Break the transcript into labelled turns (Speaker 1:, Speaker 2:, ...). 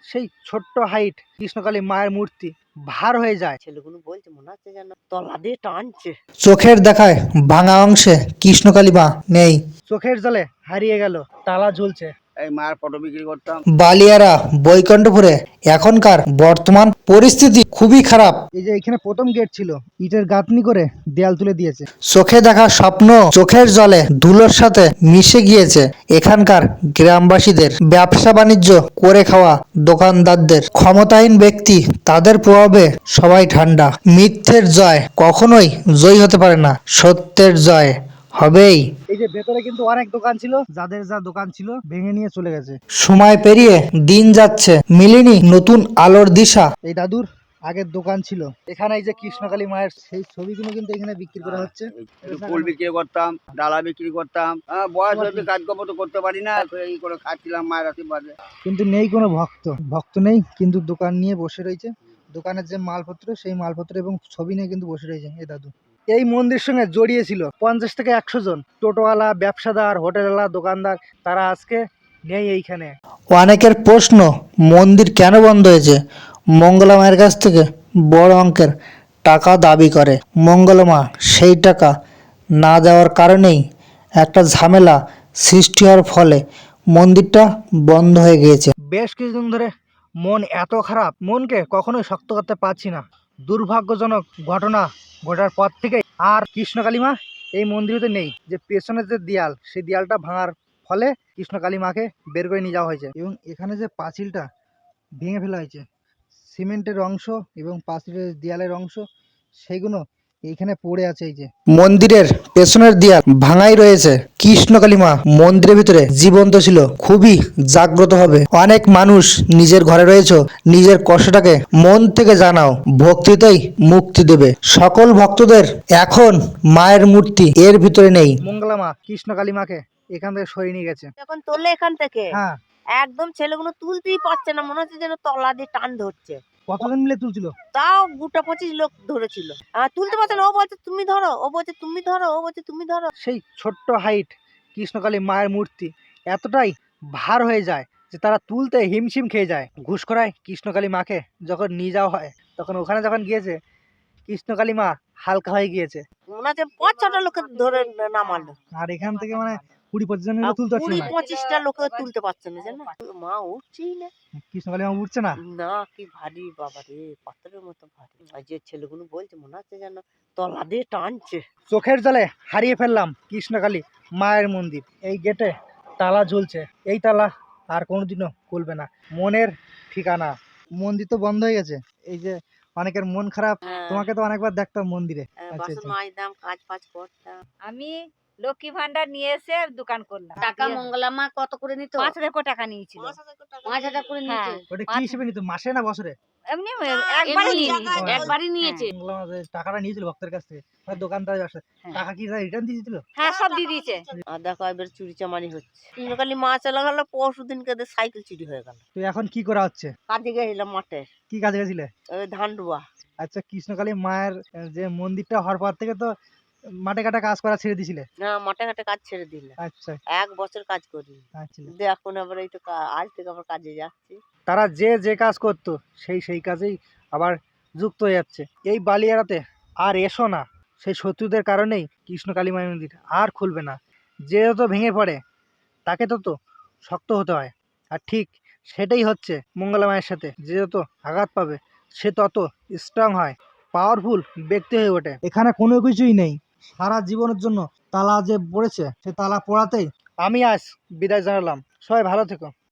Speaker 1: সেই ছোট্ট হাইট কৃষ্ণকালী মায়ের মূর্তি ভার হয়ে যায়।
Speaker 2: ছেলেগুলো বলছে মনে হচ্ছে যেন তলা দিয়ে টানছে।
Speaker 3: চোখের দেখায় ভাঙা অংশে কৃষ্ণকালী মা নেই।
Speaker 1: চোখের জলে হারিয়ে গেল, তালা ঝুলছে।
Speaker 4: এই মায়ের ফটো বিক্রি করতাম।
Speaker 3: বালিয়ারা বৈকুণ্ঠপুরে এখনকার বর্তমান পরিস্থিতি খুবই খারাপ।
Speaker 1: এই যে এখানে প্রথম গেট ছিল, ইটের গাঁথনি করে দেয়াল তুলে দিয়েছে।
Speaker 3: চোখে দেখা স্বপ্ন চোখের জলে ধুলোর সাথে মিশে গিয়েছে। এখানকার গ্রামবাসীদের ব্যবসা বাণিজ্য করে খাওয়া দোকানদারদের ক্ষমতাহীন ব্যক্তি, তাদের প্রভাবে সবাই ঠান্ডা। মিথ্যের জয় কখনোই জয়ী হতে পারে না, সত্যের জয় হবেই।
Speaker 1: এই যে ভেতরে কিন্তু অনেক দোকান ছিল, যাদের যা দোকান ছিল ভেঙে নিয়ে চলে গেছে।
Speaker 3: সময় পেরিয়ে দিন যাচ্ছে, মিলেনি নতুন আলোর দিশা।
Speaker 1: এই দাদুর আগের দোকান ছিল এখানে। এই যে কৃষ্ণকালী মায়ের সেই ছবিগুলো কিন্তু এখানে বিক্রি করা হচ্ছে।
Speaker 4: ফুল বিক্রি করতাম, ডালা বিক্রি করতাম। বয়স হয়েছে, কাজকর্ম তো করতে পারি না, এই করে খাচ্ছিলাম মায়ের আশীর্বাদে।
Speaker 1: কিন্তু নেই কোনো ভক্ত নেই, কিন্তু দোকান নিয়ে বসে রয়েছে। দোকানের যে মালপত্র, সেই মালপত্র এবং ছবি নিয়ে কিন্তু বসে রয়েছে এই দাদু। এই মন্দির সঙ্গে জড়িয়ে ছিল 50 থেকে 100 জন টোটোওয়ালা, ব্যবসাদার, হোটেলওয়ালা, দোকানদার। তারা আজকে নেই এইখানে।
Speaker 3: অনেকের প্রশ্ন, মন্দির কেন বন্ধ হয়েছে? মঙ্গলা মায়ের কাছ থেকে বড় অঙ্কের টাকা দাবি করে মঙ্গলা মা। সেই টাকা না দেওয়ার কারণেই একটা ঝামেলা সৃষ্টি হওয়ার ফলে মন্দিরটা বন্ধ হয়ে গিয়েছে।
Speaker 1: বেশ কিছুদিন ধরে মন এত খারাপ, মনকে কখনোই শক্ত করতে পারছি না। দুর্ভাগ্যজনক ঘটনা ঘটার পর থেকে আর কৃষ্ণকালী মা এই মন্দিরেতে নেই। যে পেছনের যে দেয়াল, সেই দেয়ালটা ভাঙার ফলে কৃষ্ণকালী মাকে বের করে নিয়ে যাওয়া হয়েছে। এবং এখানে যে পাঁচিলটা ভেঙে ফেলা হয়েছে, সিমেন্টের অংশ এবং পাঁচিলের দেয়ালের অংশ, সেইগুলো এইখানে পড়ে আছে। এই যে
Speaker 3: মন্দিরের পেছনের দেয়াল ভাঙাই রয়েছে। কৃষ্ণকালী মা মন্দিরের ভিতরে জীবন্ত ছিল, খুবই জাগ্রত হবে। অনেক মানুষ নিজের ঘরে রয়েছে, নিজের কষ্টটাকে মন থেকে জানাও, ভক্তিতেই মুক্তি দেবে সকল ভক্তদের। এখন মায়ের মূর্তি এর ভিতরে নেই।
Speaker 1: মঙ্গলা মা কৃষ্ণকালী মাকে এখান থেকে সরিয়ে নিয়ে গেছে।
Speaker 2: এখন তোলে এখান থেকে
Speaker 1: হ্যাঁ,
Speaker 2: একদম ছেলেগুলো তুলতেই পারছে না, মনে হচ্ছে যেন তলা দিয়ে টান ধরছে।
Speaker 1: কতজন মিলে তুলছিল?
Speaker 2: তাও গোটা 25 লোক ধরেছিল। তুলতে পারছে না, ও বলছে তুমি ধরো, ও বলছে তুমি ধরো, ও বলছে তুমি ধরো।
Speaker 1: সেই ছোট্ট হাইট কৃষ্ণকালী মায়ের মূর্তি এতটাই ভার হয়ে যায় যে তারা তুলতে হিমশিম খেয়ে যায়। ঘুষখোরায় কৃষ্ণকালী মাকে যখন নিয়ে যাওয়া হয়, তখন ওখানে যখন গিয়েছে, কৃষ্ণকালী মা হালকা হয়ে গিয়েছে।
Speaker 2: মনে হচ্ছে 5-6টা লোকে ধরে নামালো।
Speaker 1: আর এখান থেকে মানে 20-25 জন মিলে তুলতে পারছিল না।
Speaker 2: 20-25টা লোকে তুলতে পারছে না, জানো মা উঠছেই না।
Speaker 1: কৃষ্ণকালী মা উঠছে না।
Speaker 2: না, কি ভারী বাবা রে, পাথরের মতো ভারী। আর যে ছেলেগুলো বলছে মনে হচ্ছে যেন তলা দিয়ে টানছে।
Speaker 1: চোখের জলে হারিয়ে ফেললাম কৃষ্ণকালী মায়ের মন্দির। এই গেটে তালা ঝুলছে, এই তালা আর কোনোদিনও খুলবে না। মনের ঠিকানা। মন্দির তো বন্ধ হয়ে গেছে। এই যে অনেকের মন খারাপ, তোমাকে তো অনেকবার দেখতাম মন্দিরে।
Speaker 2: বাসন মাজতাম, কাজ ফাজ করতাম।
Speaker 5: আমি লক্ষ্মী ভান্ডার নিয়ে এসে দোকান করলাম।
Speaker 6: টাকা মঙ্গলা মা কত করে নিত?
Speaker 5: 5,000 টাকা নিয়েছিল।
Speaker 6: 5,000 করে নিয়েছে।
Speaker 1: ওটা কি হিসেবে নিত, মাসে না বছরে?
Speaker 5: এমনি একবারই নিয়ে
Speaker 6: এমনি
Speaker 5: নিয়েছিল।
Speaker 6: একবারই নিয়েছে।
Speaker 1: মঙ্গলা মা যে টাকাটা নিয়েছিল ভক্তের কাছ থেকে, দোকানদার ব্যবসা, টাকা কি রিটার্ন দিয়ে দিয়েছিল?
Speaker 5: হ্যাঁ, সব দিয়ে দিয়েছে।
Speaker 2: আর দেখো এবার চুরি চামারি হচ্ছে। কৃষ্ণকালী মা চলে গেল, পরশু দিনকে সাইকেল চুরি হয়ে গেল।
Speaker 1: তো এখন কি করা হচ্ছে?
Speaker 2: কাজে গেছিলাম মাঠে,
Speaker 1: কি কাজে গেছিলে?
Speaker 2: ওই ধান রুয়া।
Speaker 1: আচ্ছা, কৃষ্ণকালী মায়ের যে মন্দিরটা হওয়ার পর থেকে তো মাঠে ঘাটে কাজ করা ছেড়ে দিছিলে?
Speaker 2: না, মাঠে ঘাটে কাজ ছেড়ে দিলাম।
Speaker 1: আচ্ছা
Speaker 2: 1 বছর কাজ করি।
Speaker 1: আচ্ছা।
Speaker 2: এখন আবার এই তো আজ থেকে আবার কাজে যাচ্ছি।
Speaker 1: তারা যে কাজ করতো সেই কাজেই আবার যুক্ত হয়ে যাচ্ছে। এই বালিয়াড়াতে আর এসো না, সেই শত্রুদের কারণেই কৃষ্ণকালী মায়ের মন্দির আর খুলবে না। যে যত ভেঙে পড়ে তাকে তত শক্ত হতে হয়। আর ঠিক সেটাই হচ্ছে মঙ্গলা মায়ের সাথে। যে যত আঘাত পাবে সে তত স্ট্রং হয়, পাওয়ারফুল ব্যক্তি হয়ে ওঠে। এখানে কোনো কিছুই নেই। সারা জীবনের জন্য তালা যে পড়েছে, সে তালা পড়াতেই আমি আজ বিদায় জানালাম। সবাই ভালো থেকো।